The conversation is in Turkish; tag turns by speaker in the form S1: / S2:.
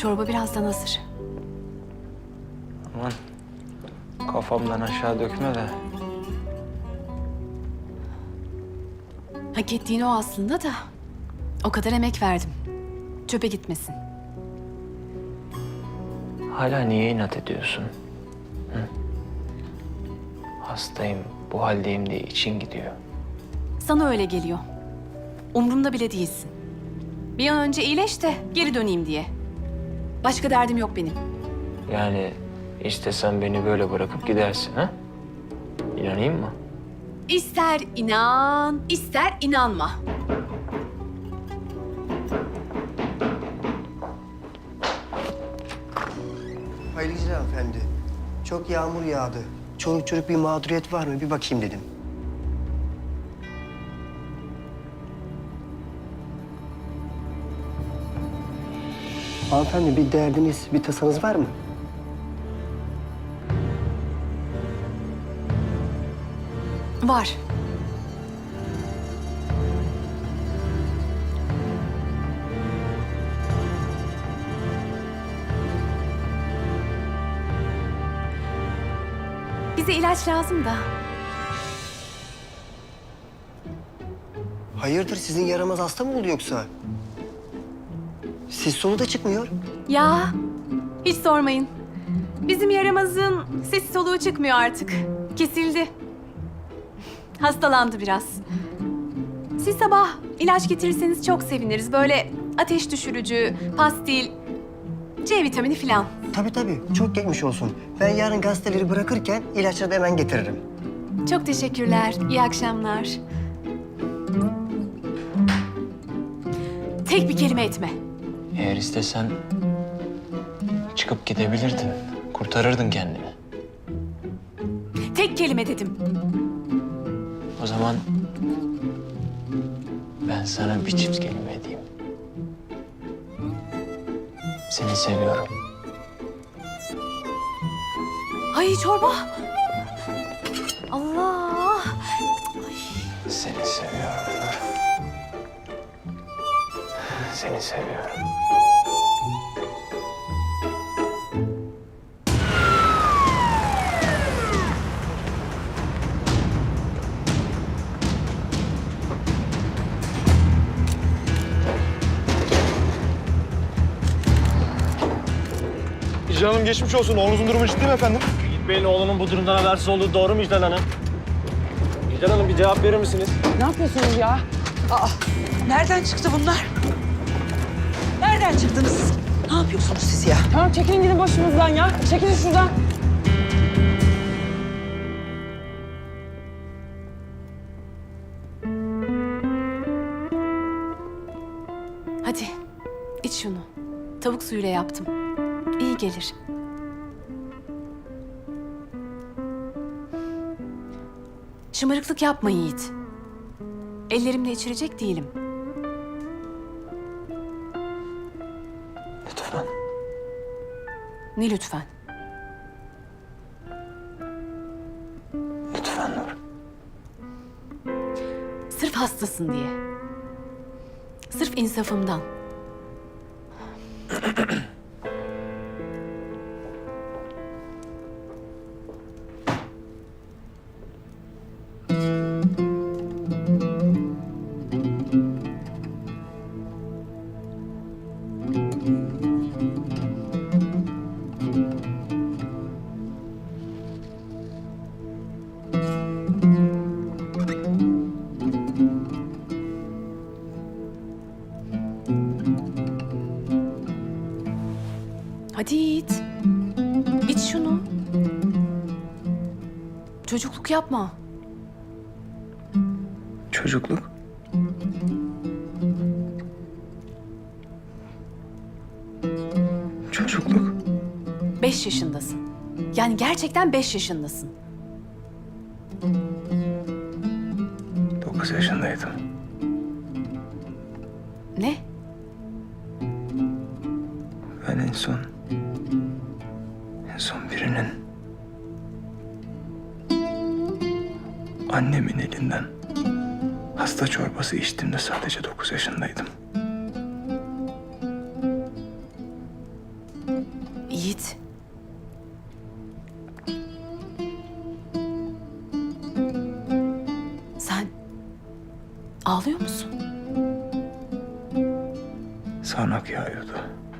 S1: Çorba birazdan hazır.
S2: Aman kafamdan aşağı dökme de.
S1: Hak ettiğin o aslında da. O kadar emek verdim. Çöpe gitmesin.
S2: Hala niye inat ediyorsun? Hı? Hastayım, bu haldeyim diye için gidiyor.
S1: Sana öyle geliyor. Umrumda bile değilsin. Bir an önce iyileş de geri döneyim diye. Başka derdim yok benim.
S2: Yani istesen beni böyle bırakıp gidersin ha? İnanayım mı?
S1: İster inan, ister inanma.
S3: Hayırlı geceler hanımefendi. Çok yağmur yağdı. Çoluk çocuk bir mağduriyet var mı? Bir bakayım dedim. Hanımefendi bir derdiniz, bir tasanız var mı?
S1: Var. Bize ilaç lazım da.
S3: Hayırdır sizin yaramaz hasta mı oldu yoksa? Siz solu da çıkmıyor.
S1: Ya, hiç sormayın. Bizim yaramazın sesi soluğu çıkmıyor artık. Kesildi. Hastalandı biraz. Siz sabah ilaç getirirseniz çok seviniriz. Böyle ateş düşürücü, pastil, C vitamini falan.
S3: Tabii çok geçmiş olsun. Ben yarın gazeteleri bırakırken ilaçları da hemen getiririm.
S1: Çok teşekkürler. İyi akşamlar. Tek bir kelime etme.
S2: Eğer istesen çıkıp gidebilirdin. Kurtarırdın kendini.
S1: Tek kelime dedim.
S2: O zaman ben sana bir çift kelime edeyim. Seni seviyorum.
S1: Ay çorba. Allah.
S2: Seni seviyorum Nur. Seni seviyorum.
S4: İclal Hanım geçmiş olsun. Oğlunuzun durumu ciddi mi efendim?
S5: Bey'in oğlunun bu durumdan habersiz olduğu doğru mu İclal Hanım? İclal Hanım bir cevap verir misiniz?
S6: Ne yapıyorsunuz ya? Aa, nereden çıktı bunlar? Nereden çıktınız siz? Ne yapıyorsunuz siz ya?
S7: Tamam çekilin gidin başımızdan ya. Çekilin şuradan.
S1: Hadi iç şunu. Tavuk suyuyla yaptım. İyi gelir. Şımarıklık yapma Yiğit. Ellerimle içirecek değilim.
S2: Lütfen.
S1: Ne lütfen?
S2: Lütfen Nur.
S1: Sırf hastasın diye. Sırf insafımdan. Hadi Yiğit. İç şunu. Çocukluk yapma.
S2: Çocukluk. Çocukluk.
S1: 5 yaşındasın. Yani gerçekten 5 yaşındasın.
S2: 9 yaşındaydım.
S1: Ne?
S2: Ben en son birinin annemin elinden hasta çorbası içtiğimde sadece 9 yaşındaydım.
S1: Ağlıyor musun?
S8: Sağanak yağıyordu.